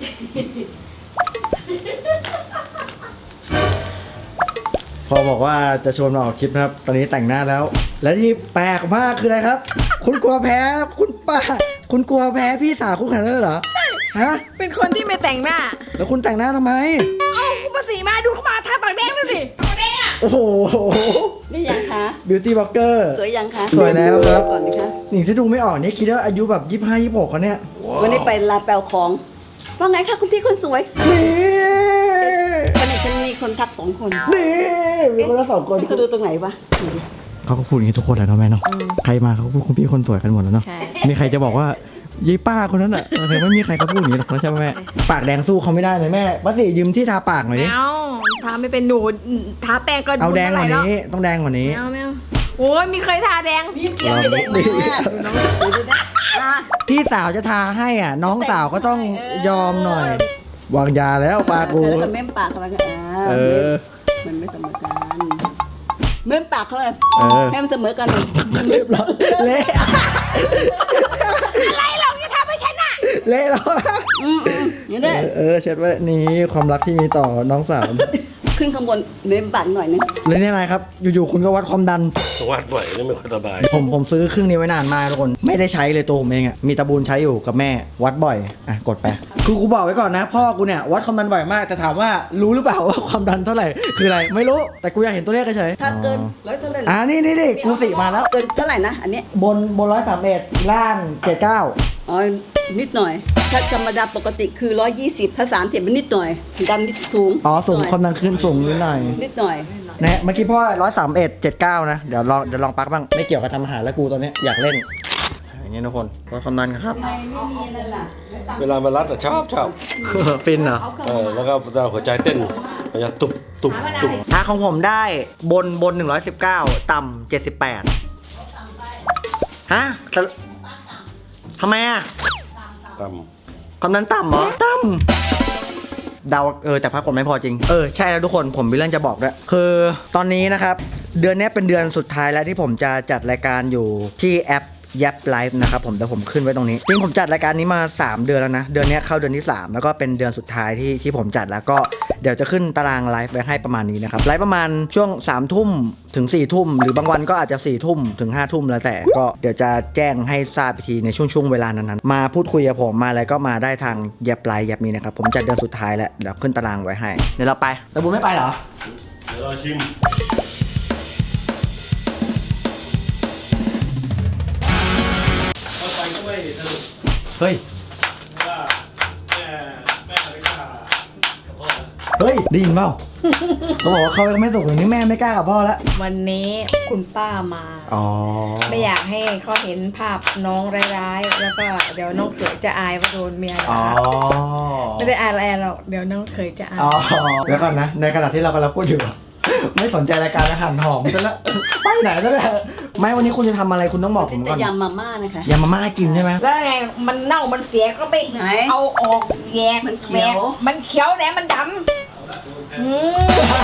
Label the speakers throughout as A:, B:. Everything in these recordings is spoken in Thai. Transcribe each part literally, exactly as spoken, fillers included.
A: พอบอกว่าจะชวนมาออกคลิปนะครับ ตอนนี้แต่งหน้าแล้ว และที่แปลกมากคืออะไรครับ คุณกลัวแพ้คุณป้า คุณกลัวแพ้พี่สาวคุณขนาดนั้นเลยเหรอฮะ
B: เป็นคนที่ไม่แต่งหน้า
A: แล้วคุณแต่งหน้าทำไม
B: เอ้าคุณมาสีมาดูเข้ามาทาปากแดงดูดิปากแดงอ่ะ
A: โอ้โห
C: นี่ยังคะ
A: บิวตี้บล็อกเกอร์
C: สวยยังคะ
A: สวยแล้วครับ
C: ก่อนนะคะ
A: หนิงที่ดูไม่ออกนี่คิดว่าอายุแบบยี่สิบห้ายี่สิบหกแล้วเนี่ย
C: วันนี้ไปลาแปลของว่าไงคะคุณพี่คนสวย
A: นี่
C: วันนี้ฉันมีคนทักสองคน
A: นี่มีคนละสองคน
C: ฉันก็ดูตรงไหนวะ
A: เขาก็พูดอย่างนี้ทุกคนแหละเนาะแม่เนาะใครมาเขาก็พูดคุณพี่คนสวยกันหมดแล้วเนาะ
B: ใช่
A: มีใครจะบอกว่ายี่ป้าคนนั้นอ่ะเออไม่มีใครเขาพูดอย่างนี้หรอกใช่ไหมแม่ปากแดงสู้เขาไม่ได้เลยแม่ป้าสิยืมที่ทาปากหน่อยดิ
B: ไม่เอาทาไม่เป็นหนูทาแป้งก็
A: เอาแดงกว่า
B: แล้ว
A: นี้ต้องแดงกว่านี้
B: ไม่เอาไม่เอาโอ้ยมีเคยทาแดง
C: นี่เกี่ยวไม่ได้มากดูน้องดูดูนะอ่ะ
A: พี่สาวจะทาให้อ่ะ น้องสาวก็ต้องยอมหน่อย วางยาแล้วปากู
C: เออกับเม้มปากเขาไปกันอ่า
A: เออ
C: มันไม่เสมอกันเม้มปากเขาเลย
A: เออ
C: ให้มันเสมอกัน
A: เรียบร้อยเละ
B: อะไรเราจะทำให้ฉันอ่ะ
A: เละแล้ว
C: อืมอืมนี่แหละ
A: เออเช็ดไว้นี่ความรักที่มีต่อน้องสาว
C: ขึ้นข้างบนเม้มปากหน่อยนึง
A: เลยนี่อะไรครับ อยู่ๆคุณก็วัดความดัน
D: วัดบ่อยนี่ไม่ค่อยสบาย
A: ผมผมซื้อเครื่องนี้ไว้นานมากทุกคนไม่ได้ใช้เลยตัวผมเองอ่ะมีตะบูนใช้อยู่กับแม่วัดบ่อยอ่ะกดไปคือกูบอกไว้ก่อนนะ พ่อกูเนี่ยวัดความดันบ่อยมากแต่ถามว่ารู้หรือเปล่าว่าความดันเท่าไหร่คืออะไรไม่รู้แต่กูอยากเห็นตัวเลขเฉยๆ
C: ถ้าเกินร้อยเท่าไหร่
A: อ่านี่นี่นี่กูสิมาแล้ว
C: เกินเท่าไหร่นะอันเนี้ย
A: บนบนร้อยสามเอ็ดล่างเจ็ดเก้า
C: อ๋อนิดหน่อย ถ้าธรรมดาปกติคือร้อยยี่สิบถ้าสามสิบมันนิดหน่อยดันนิดสูง
A: อ๋อสูง
C: หน่ย
A: ความดันขึ้นสูงนิดหน่อย
C: นิดหน่อย
A: นะเมื่อกี้พ่อร้อยสามเอ็ดเจ็ดเก้านะเดี๋ยวลองเดี๋ยวลองปักบ้างไม่เกี่ยวกับทำอาหารแล้วกูตอนเนี้ยอยากเล่นอย่างเงี้ยทุกคนวัดความดันครับ
C: ทำไมไม่มีนั่นล่ะ
D: เวลามารัดอะชอบชอบ
A: ฟินเหรอ
D: เออแล้วก็จะหัวใจเต้นมันจะตุบตุบตุบ
A: อ่ะของผมได้บนบนหนึ่งร้อยสิบเก้าต่ำเจ็ดสิบแปดฮะแต่ทำไมอ่ะ
D: ต่
A: ความดันต่ำเหรอต่ำเดาเออแต่พักผมไม่พอจริงเออใช่แล้วทุกคนผมมีเรื่องจะบอกด้วยคือตอนนี้นะครับเดือนนี้เป็นเดือนสุดท้ายแล้วที่ผมจะจัดรายการอยู่ที่แอปยับไลฟ์นะครับผมแต่ผมขึ้นไว้ตรงนี้จริงผมจัดรายการนี้มาสามเดือนแล้วนะเดือนนี้เข้าเดือนที่สามแล้วก็เป็นเดือนสุดท้ายที่ที่ผมจัดแล้วก็เดี๋ยวจะขึ้นตารางไลฟ์ไว้ให้ประมาณนี้นะครับไลฟ์ประมาณช่วงสามทุ่มถึงสี่ทุ่มหรือบางวันก็อาจจะสี่ทุ่มถึงห้าทุ่มแล้วแต่ก็เดี๋ยวจะแจ้งให้ทราบอีกทีในช่วงช่วงเวลานั้นๆมาพูดคุยกับผมมาอะไรก็มาได้ทางยับไลฟ์ยับนี้นะครับผมจัดเดือนสุดท้ายแล้วเดี๋ยวขึ้นตารางไว้ให้เดี๋ยวเราไปแต่บุญไม่ไปเหรอ
D: ำเดี๋ยวเราชิม
E: ก็ไปด้วยสรุป
A: เฮ้ย
E: ว่าแม่แม่ไม่กล้ากับพ่อ
A: เฮ้ยได้ยินเปล่า เขาบอกว่าเขายังไม่สุกอย่างนี้แม่ไม่กล้ากับพ่อแล้ว
B: วันนี้คุณป้ามา
A: อ๋อ
B: ไม่อยากให้เขาเห็นภาพน้องร้ายๆ แล้วก็เดี๋ยวน้องเขยจะอายว่าโดนเมีย
A: อ๋อ
B: ด่าไม่ได้อายอะไรหรอกเดี๋ยวน้องเขยจะอาย
A: อ๋อเดี๋ยวก่อนนะในขณะที่เรากำลังพูดอยู่ ไม่สนใจรายการอาหารหอมซะแล้วไปไหนแล้วเนี่ยไม่วันนี้คุณจะทำอะไรคุณต้องบอกผม
C: แต่
A: ก่อน
C: ยำมาม่านะคะ
A: ยำมาม่าให้กินใช่ไหม
B: แล้วไงมันเน่ามันเสียก็ไป
C: ไหน
B: เอาออกแยก
C: มันเขียว
B: แกมันเขียวแหนมันดำอืม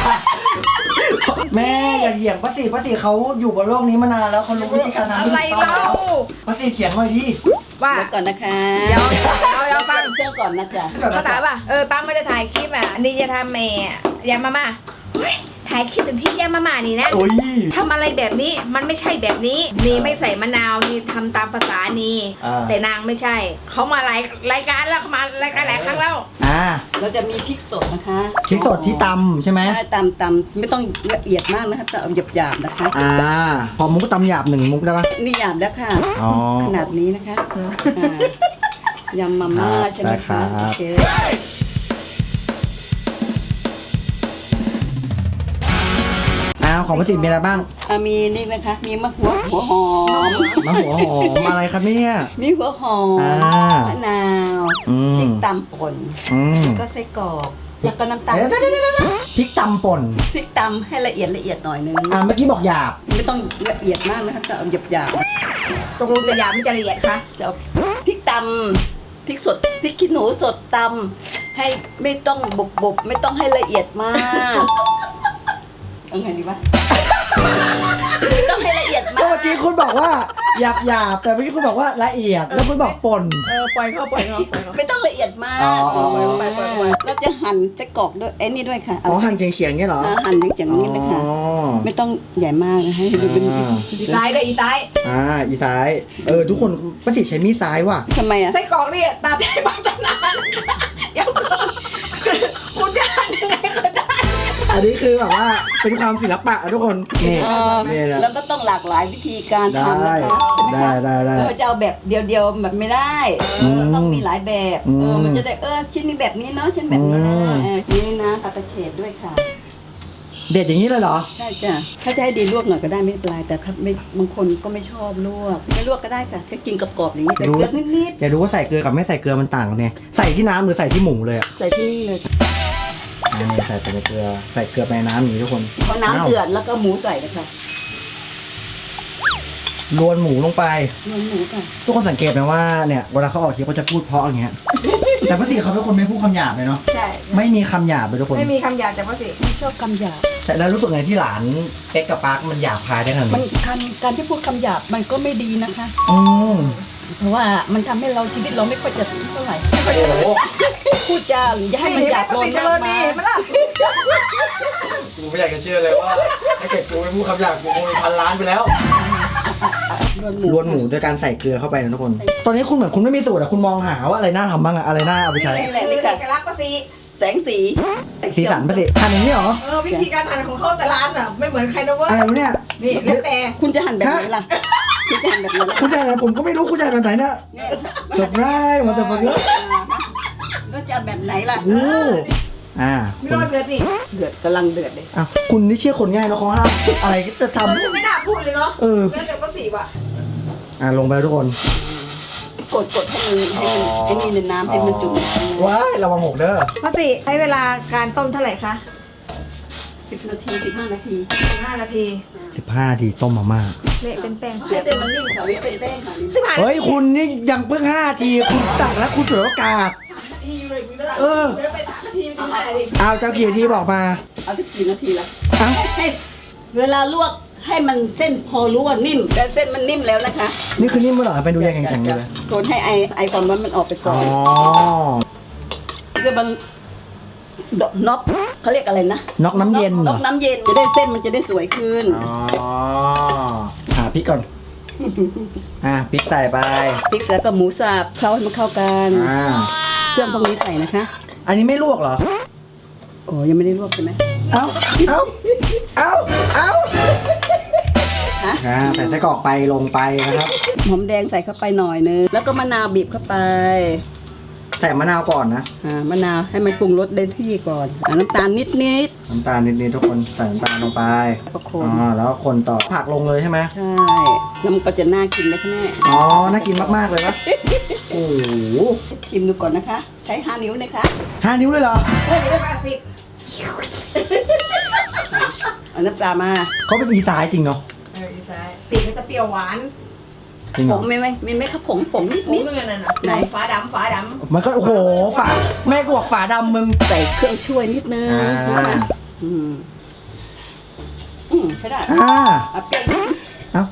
A: แม่อย่าเถียงป้าสีป้าสีเขาอยู่บนโลกนี้มานานแล้วเขารู้วิธีการทำ
B: อะไร
A: ที่ถูกต้อง
B: เล่า
A: แล้วป้าสีเถียงหน่อยดิ
B: ว่า
C: เดี๋ยวก่อนนะคะ
B: เดี๋ยวเดี๋ยวเดี๋ยวฟัง
C: เครื่องก่อนนะจ๊ะ
B: เขาถามว่าเออป้าไม่ได้ถ่ายคลิปอ่ะอันนี่จะทำเมย์ยำมาม่าเฮ้ยถ่ายคลิปถึงที่ยำมาม่านี่นะ
A: โอ้ย
B: ทำอะไรแบบนี้มันไม่ใช่แบบนี้นี่ไม่ใส่มะนาวนี่ทำตามภาษานี่
A: อ่า
B: แต่นางไม่ใช่เขามารายรายการแล้วเขามารายการหลายครั้งแล้ว
A: อ่า
C: เราจะมีพริกสดนะคะ
A: พริกสดที่ตำใช่ไหม
C: ใช่ตำตำไม่ต้องละเอียดมากนะคะแต่เอาหยาบๆนะคะ
A: อ่าพอมุกตำหยาบหนึ่งมุกได้ปะ
C: นี่หยาบแล้วค่ะ
A: อ๋อ
C: ขนาดนี้นะคะอ่ายำมาม่าใช่ไหม
A: ได้ครั
C: คะ
A: บ
C: โอเค
A: อ้าวของป้าสีมีอะไรบ้าง
C: อ่ะมีนี่นะคะ มีมะหัวหัวหอม
A: มะหัวหอมอะไรครับเนี่ย
C: มีหัวหอม
A: อ่าม
C: มะนาว
A: อืม
C: พริกตำป่น
A: อืม
C: ก็ไส้กรอกแล้วก็น้ำตาล
A: เดี๋ยวเดี๋ยวเดี๋ยวเดี๋ยวพริกตำป่น
C: พริกตำให้ละเอียดละเอียดหน่อยนึง
A: อ่าเมื่อกี้บอกหยาบ
C: ไม่ต้องละเอียดมากนะคะแต่เอาหยาบ
B: ตกลงจะหยาบไม่จะละเอียดคะ
C: ๆจะเอาพริกตำพริกสดพริกขี้หนูสดตำให้ไม่ต้องบบบบไม่ต้องให้ละเอียดมากเอาไงดีวะต้องให้ละเอียด
A: เมื่
C: มาก
A: อกี้คุณบอกว่าหยาบหยาบแต่เมื่อกี้คุณบอกว่าละเอียดแล้วคุณบอกป่น
B: เออปล่อยเข้าปล่อยเข้าปล่อยเข้า
C: ไม่ต้องละเอียดมาก
A: อ๋ออ๋ออ๋อ
C: ไปไปไปเราจะหั่นไส้กรอกด้วยไอ้นี่ด้วยค่ะ
A: อ๋อหั่นเฉียงๆเงี้ยเหรอ
C: อ่าหั่นอย่างๆนี้เลยค่ะ
A: อ๋อ
C: ไม่ต้องใหญ่มากนะให้ดูเป็น
A: อ่า
B: อีซ้ายด้วยอีซ้าย
A: อ่าอีซ้ายเออทุกคนป้าติใช้มีดซ้ายว่ะ
C: ทำไมอ่ะ
B: ไส้กรอกนี่ตามใจบางตนานเดี๋ยวก่อนคือคุณจะหั่นยังไงก็ได้
A: อันนี้คือแบบว่าเป็นความศิลปะอะทุกคนนี่
C: เออ
A: นี่แหละ
C: แล้วก็ต้องหลากหลายวิธีการ
A: ได้
C: ทำนะคะใช่ไหม
A: ได้
C: คะ
A: ได้ได้
C: เออจะเอาแบบเดียวๆแบบไม่ได้
A: อืม
C: เออต้องมีหลายแบบ
A: อืม
C: เออมันจะได้เออชิ้นนี้แบบนี้เนาะชิ้นแบบนี้นะ
A: อืม
C: เออนี่นะตัดกระเฉดด้วยค่ะ
A: เด็ดอย่างนี้เลยเหรอ
C: ใช่จ้ะถ้าจะให้ดีลวกหน่อยก็ได้ไม่เป็นไรแต่ครับไม่บางคนก็ไม่ชอบลวกไม่ลวกก็ได้ค่ะก็กินกรอบๆอย่างนี้แต่
A: ดู
C: เกลือนิด
A: อย่าดูว่าใส่เกลือกับไม่ใส่เกลือมันต่างกันเนี่ยใส่ที่น้ำหรือใส่ที่หมูเลยอ่ะ
C: ๆใส่ที่นี่เลยค่ะ
A: อันนี้ใส่แต่ในเกลือใส่เกลือไปในน้ำอย่างนี้ทุกคน
C: พอน้ำเดือดแล้วก็หมูใส่เลยค่ะ
A: รวนหมูลงไป
C: รวนหมูค่ะ
A: ทุกคนสังเกตไหมว่าเนี่ยเวลาเขาออกทีเขาจะพูดเพราะอย่างเงี้ย แต่ป้าสีเขาเป็นคนไม่พูดคำหยาบเลยเนาะ
B: ใช่
A: ไม่มีคำหยาบเลยทุกคน
B: ไม่มีคำหยาบจากพ่อสิ
C: ไม่ชอบคำหยาบ
A: แต่แล้วรู้สึกไงที่หลานเอ็กกับปาร์คมันหยาบคายได้ขนาด
C: มัน
A: นี้
C: การการที่พูดคำหยาบมันก็ไม่ดีนะคะ
A: อืม
C: เพราะว่ามันทำให้เราชีวิตเราไม่ค่อยจะเท่าไหร่
A: โอ้โห
C: พูดจาหรือจะให้มันหยาบโลน
B: เจ
C: มาก
B: ริญ
C: มา
B: ดี
C: ย
B: เห็นไหมล่ะ
A: กูไม่อยากจะเชื่อเลยว่าถ้าเกิดกูไม่พูดคำหยาบกูคงมีพันล้านไปแล้ว
C: รวนหมู
A: รวนหมูโดยการใส่เกลือเข้าไปนะทุกคน ตอนนี้คุณเหมือนคุณไม่มีสูตรอะคุณมองหาว่าอะไรน่าทำบ้างอะอะไรน่าเอาไปใช้
C: นี่แหละ
B: คือ
C: นี่
B: เอ
C: ค่ะ
B: กลักษณ์พ่อสิ
C: แสงสี
A: สีสันป้าสีทำอย่างนี้เหรอ
B: เออวิธีการหั่นของเขาแต่ร้านอ่ะไม่เหมือนใครนะเว้ย
A: อะไรวะเนี่ย
B: นี่แล้วแต่
C: คุณจะหั่นแบบไหนล่ะคุณจะหั่นแบบไหนล่ะ
A: คุณใจอะไรผมก็ไม่รู้คุณใจแบบไหนเนี่ย
C: เนี่ย
A: เซอร์ไพรส์มาแต่ฟังเยอะ
C: แล้วจะเอาแบบไหนล่ะ
A: โอ้อ่า
B: ไม่รอดเดือดนี่
C: เดือดกำลังเดือดเลย
A: อ่ะคุณนี่เชื่อคนง่ายเนาะเขาห้ามอะไรก็จะท
B: มันจะไม่น่าพูดเลยเนาะ
A: ำเออ
B: แล้วแต่พ่อสิว่ะ
A: อ่ะลงไปแล้วทุกคน
C: กดกดให้มันให้มันให้มีในน้ำให้มันจุ่ม
A: ว้ายระวังหกเด้อ
B: พ่อสิใช้เวลาการต้มเท่าไหร่คะ
C: สิบนาทีสิบห้านาที
B: ห้านาที
A: สิบห้าทีต้มมาม่า
B: เละเป็นแป้ง
C: ให้เส้นมันนิ่มค่ะไม่เป็นแป้งค่ะ
B: สิบห้านาที
A: เฮ้ยคุณนี่ยังเพิ่งห้าทีคุณตักแล้วคุณเสือโอกาส
B: สามนาทีอยู่เลยคุณระดับ
A: เออ
B: เดี๋ยวไปสามนาทีไม่ได้ดิ
A: เอาเจ้ากี่ทีบอกมา
C: เอาสิบกี่นาทีละ
A: เอ้า
C: ให้เวลาลวกให้มันเส้นพอรู้ว่านิ่มแต่เส้นมันนิ่มแล้วนะคะ
A: นี่คือนิ่มเมื่อไหร่ไปดูยังแข็งๆอยู่เลย
C: โกนให้ไอไอความร้อนมันออกไปก่
A: อ๋
C: อ
A: อน
C: ก็มันดอกน็อกเขาเรียกอะไรนะ
A: น็อกน้ำเย็นเหร
C: น็
A: อ
C: อกน้ำเย็นจะได้เส้นมันจะได้สวยขึ้น
A: อ๋อหาพริกก่อน อ่ะพริกใส่ไป
C: พริกแล้วก็หมูสับเคล้าให้มันเข้ากัน
A: อ่า
C: เครื่องพวกนี้ใส่นะคะ
A: อันนี้ไม่ลวกเหรอ
C: โอ้ยังไม่ได้ลวกใช่ไหม
A: เอ้า เอ้า เอ้า เอ้า
C: ฮะ
A: อ่าใส่ไส้กรอกไปลงไปนะครับ
C: หอมแดงใส่เข้าไปหน่อยนึงแล้วก็มะนาวบีบเข้าไป
A: ใส่มะนาวก่อนนะ
C: อ่ามะนาวให้มันปรุงรสได้ที่ก่อนอ่าน้ำตาลนิดนิด
A: น้ำตาลนิดๆทุกคนใส่น้ำตาลลงไป
C: ๆประโค
A: อ๋
C: น
A: อ แล้วก็คนต่อ ผักลงเลยใช่ไหม
C: ใช่แล้วมันก็จะน่ากินเลยค่ะแม่
A: อ๋อ น่ากินมากๆเลยนะโอ้โห
C: ชิมดูก่อนนะคะ ใช้ห้านิ้วนะคะ
A: ห้านิ้วเลยเหรอ
B: เฮ้ยเดี๋ยวได้แปดสิบ
C: เอาน้ำปลามา
A: เขาเป็นอีสายจริงเนาะ
B: เอออีซ้ายติดมันจะเปรี้ยวหวาน
A: จริงเห
C: ผ
A: รอง
C: ไม่ไม่ไม่ไม่ครับผงผงนิด
B: นิ
C: นิ
B: ด
C: ด
B: นึงนั่นน่ะ
C: ไหน
B: ฝาดำฝาด
A: มันก็โอ้โห ฝา แม่กูบอกฝาดำมึง
C: ใส่เครื่องช่วยนิดนึง
A: อ่า
C: อืมอืมใช่ได้
A: อ่า
C: เอาเปรี้ยวนิด
A: เอ้า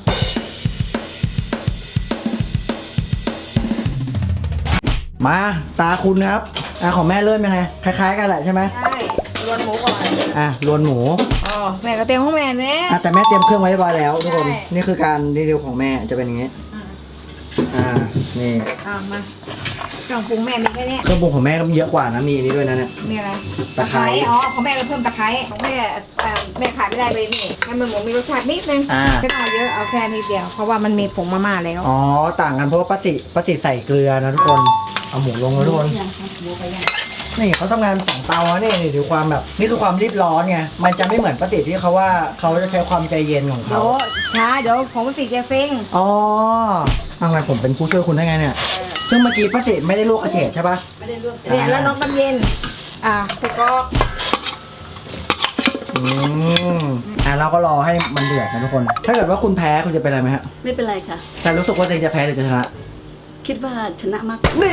A: มาตาคุณครับ อ่ะของแม่เริ่มยังไง คล้ายๆกันแหละใช่ไหม
B: ำใช่รวนหมูก่อน
A: อ่ะรวนหมู
B: อ๋อแม่ก็เตรียมของแม่เนี่ย
A: อ่ะแต่แม่เตรียมเครื่องไว้เรียบร้อยแล้วทุกคน
B: ใช่
A: นี่คือการรีวิวของแม่จะเป็นอย่างนี้ อ่า นี่
B: อ่ามาเครื่องปรุงแม่มีแค่เนี้ย
A: เครื่องปรุงของแม่ก็มีเยอะกว่านะ มีอันนี้ด้วยนะเนี่ย
B: มีอะไร
A: ตะไคร้
B: อ๋อของแม่เราเพิ่มตะไคร้ของแม่เอ่อแม่ขายไม่ได้เลยนี่ให้มันหมูมีรสชาตินิดนึง
A: อ่า
B: ไม่ต้องเอาเยอะเอาแค่นิดเดียวเพราะว่ามันมีผงมาม่าแล้ว
A: อ๋อ ต่างกันเพราะว่าป้าติป้าติใส่เกลือนะทุกคน เอาหมูลงแล้วทุกคน
C: ยังครับหมูไปยัง
A: นี่เขาทำงานสองเตาอะนี่นี่ดูความแบบ นี่คือความรีบร้อนไง มันจะไม่เหมือนป้าติที่เขาว่าเขาจะใช้ความใจเย็นของ
B: เดี๋
A: เขา
B: ยวช้าเดี๋ยวของมันติดแกเซ็ง
A: อ๋อเอาไงผมเป็นผู้ช่วยคุณได้ไงเนี่ย ซึ่งเมื่อกี้ป้าติไม่ได้ลวกกระเฉดใช่ปะ
C: ไม่ได้ลวก
B: เนี่ยแล้วน้องน้ำเย็น อ่าใส่กรอก
A: อืมอ่ะเราก็รอให้มันเดือดนะทุกคน ถ้าเกิดว่าคุณแพ้คุณจะเป็นอะไรไหมฮะ
C: ไม่เป็นไรค่ะ
A: แต่รู้สึกว่าตัวเองจะแพ้หรือจะชนะ
C: คิดว่าชนะมาก
A: นี่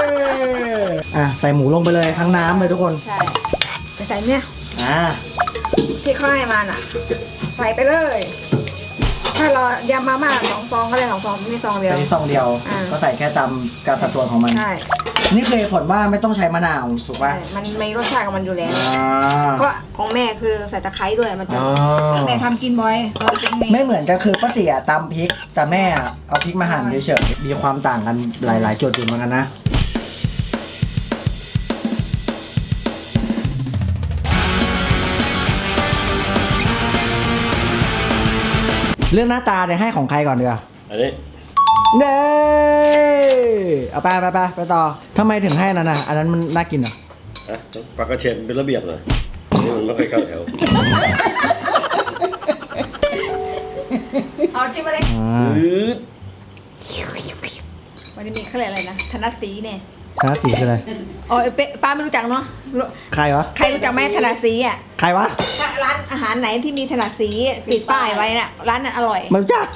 A: อ่ะใส่หมูลงไปเลยทั้งน้ำเลยทุกคน
B: ใช่ไปใส่เนี่ย
A: อ่า
B: ที่เขาให้มาน่ะ ใส่ไปเลย ถ้าเรายำมาม่าสองซองก็ได้สองซองนี่ซองเดียว
A: อันนี้ซองเดียว
B: อ่า
A: ก็ใส่แค่ตามการสัดส่วนของมัน
B: ใช่
A: นี่คือเหตุผลว่าไม่ต้องใช้มะนาวถูกป่ะ
B: ใช่มันมีรสชาติของมันอยู่แล้ว
A: อ่า
B: เพราะของแม่คือใส่ตะไคร้ด้วยมันจะ
A: อ๋อ
B: แม่ทำกินบ่อยเราเป็น
A: ไม่เหมือนกันคือป้าเตี๋ยตำพริก แต่แม่เอาพริกมาหั่นเฉยๆมีความต่างกันหลายๆจุดอยู่เหมือนกันนะ เรื่องหน้าตาเนี่ยให้ของใครก่อนดีกว่า
D: อันนี้
A: เน่เอาไปไปไปไปต่อทำไมถึงให้นั่นน่ะอันนั้นมันน่ากินเหรอ
D: ฮะปลากระเชนเป็นระเบียบหน่อยอันนี้มันไม่ค่อยเข้าแถว
B: เอาชิมมาเลย
A: อ่า
D: อืด
B: วันนี้มีเขาเรียกอะไรนะธนัดสีเนี่ย
A: คณะสีคืออะไร
B: อ๋อเป๊ะป้าไม่รู้จักเนาะรู้
A: ใครวะ
B: ใครรู้จักไหมธนัดสีอ่ะ
A: ใครวะ
B: ถ้าร้านอาหารไหนที่มีถนัดสีติดป้ายไว้น่ะร้านนั้นอร่อย
A: ไมันรู้จัก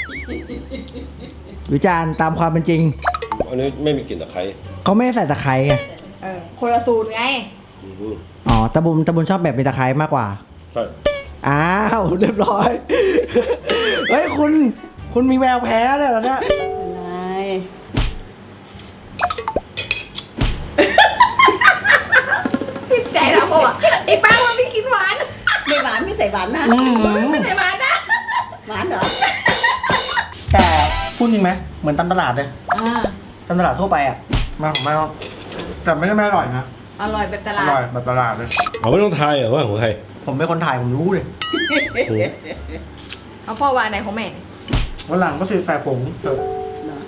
A: วิจารณ์ตามความเป็นจริง
D: อันนี้ไม่มีกลิ่นตะไคร้
A: เขาไม่ได้ใส่ตะไคร้ไง
B: เออคนละสูตรไง
D: อือหือ
A: อ๋อตะบุญตะบุญชอบแบบมีตะไคร้มากกว่า
D: ใช่
A: อ้าวเรียบร้อย เฮ้ยคุณ คุณมีแววแพ้เลยเหรอเนี่ย
C: อะไร
B: ติดใจแล้วพ่อไอ้ป้าว่าไม่กินหวาน
C: ไม่หวานไม่ใส่หวานนะ
A: อืม
B: ไม่ใช่หวานนะ
C: หวานเหรอ
A: แต่พูดจริงไหมเหมือนตำตลาดเลย
B: อ่า
A: ตำตลาดทั่วไปอ่ะมาไม่ต้องแต่ไม่ได้ไม่อร่อยนะ
B: อร่อยแบบต
A: อ
B: ลาด
A: ร่อยแบบตลาดเลย
D: เอาไม่ต้องทายเหรอว่าของใคร
A: ผมเป็นคนถ่ายผมรู้เลย
D: อืม
B: เอาพ่อว่าไหนของแม่
A: วันหลังก็คือใส่ผงเถอะ
C: เหรอ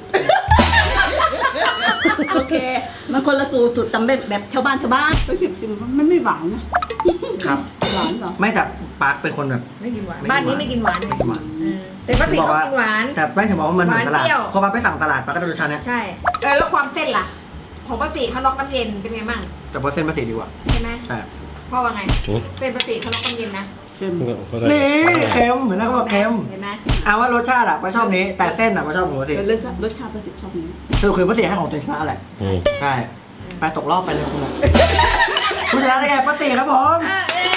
C: โอเค มันคนละสูตรสูตรตำแบบแบบชาวบ้านชาวบ้านไปชิมชิมมันไม่หวานนะครับ หวานเหรอ
A: ไม่แต่ปาร์คเป็นคนแบบ
B: ไม่กินหวาน
A: ไม่กินหวาน
B: บ้านนี้ไม่กินหวาน
A: ไม่กินหวาน
B: เออแต่ป้าสีเขากินหวาน
A: แต่แป้งจะบอกว่ามันเหมือนตลาด
B: หวานเปรี้ยว
A: พอปาไปสั่งตลาดปาก็จะรสชาติเนี้ย
B: ใช่เออแล้วความเส้นล่ะ ของป้าสีเขาล็อกน้ำเย็นเป็นไงบ้าง
A: แต่พอเส้นภาษีดีกว่า
B: ใช่ไหม
A: ใช่
B: พ่อว่าไง
D: อืม
B: เส้นป้าสีเขาล็อกน้ำเย็นนะ
C: เค็ม
D: ก็ได้
A: นี่เค็มเหมือนนั่นเขาบอกเค็ม
B: เห็นไหม
A: เอาว่ารสชาติอะปาชอบนี้ แต่เส้นอะปาชอบของภาษี
C: รสชาติรสชาติประสิทธิ์ชอบนี้
A: คือคือภาษีให้ของตัวเองชนะแหละ
D: อืม
A: ใช่ไปตกรอบไปเลยคุณอะผู้ชนะได้แก่ป้าสีครับผม
B: อ่ะเอ้ย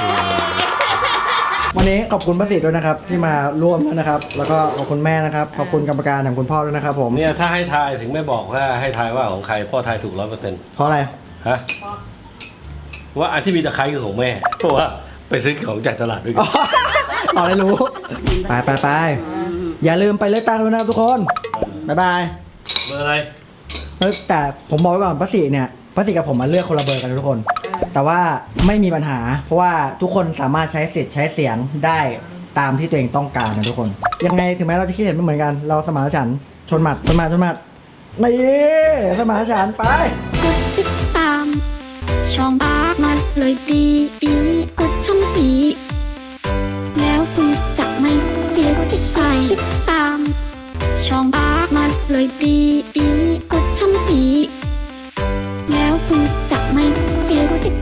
A: วันนี้ขอบคุณป้าสีด้วยนะครับ ที่มาร่วมด้วยนะครับ แล้วก็ขอบคุณแม่นะครับ ขอบคุณกรรมการของคุณพ่อด้วยนะครับผม
D: เนี่ยถ้าให้ทายถึงไม่บอกว่าให้ทายว่าของใครพ่อทายถูกร้อยเปอร์เซ็นต์
A: เพราะอะไร
D: ฮะว่าอันที่มีตะไคร้คือของแม่เพราะว่าไปซื้อของจากตลาดด้วยกั
A: อ๋อน อ๋อได้รู้ ไปไปไปอย่าลืมไปเลือกตั้งด้วยนะครับทุกคน บ๊ายบาย
D: เบอร์อะไร
A: เฮ้ยแต่ผมบอกไว้ก่อนป้าสีเนี่ยป้าสีกับผมมาเลือกคนละเบอร์กันนะทุกคน แต่ว่าไม่มีปัญหา เพราะว่าทุกคนสามารถใช้สิทธิ์ใช้เสียงได้ตามที่ตัวเองต้องการนะทุกคน ยังไงถึงแม้เราจะคิดเห็นไม่เหมือนกัน เราสมานฉันท์ชนหมัดชนหมัดชนหมัดนี่สมานฉันท์ไป
F: กดติดตาม ช่องอาร์มันเลยดีดีกดช่องปีแล้วคุณจะไม่เสียติดใจติดตาม ช่องอาร์มันเลยดีดีกดช่องปีแล้วคุณจะไม่เสียติด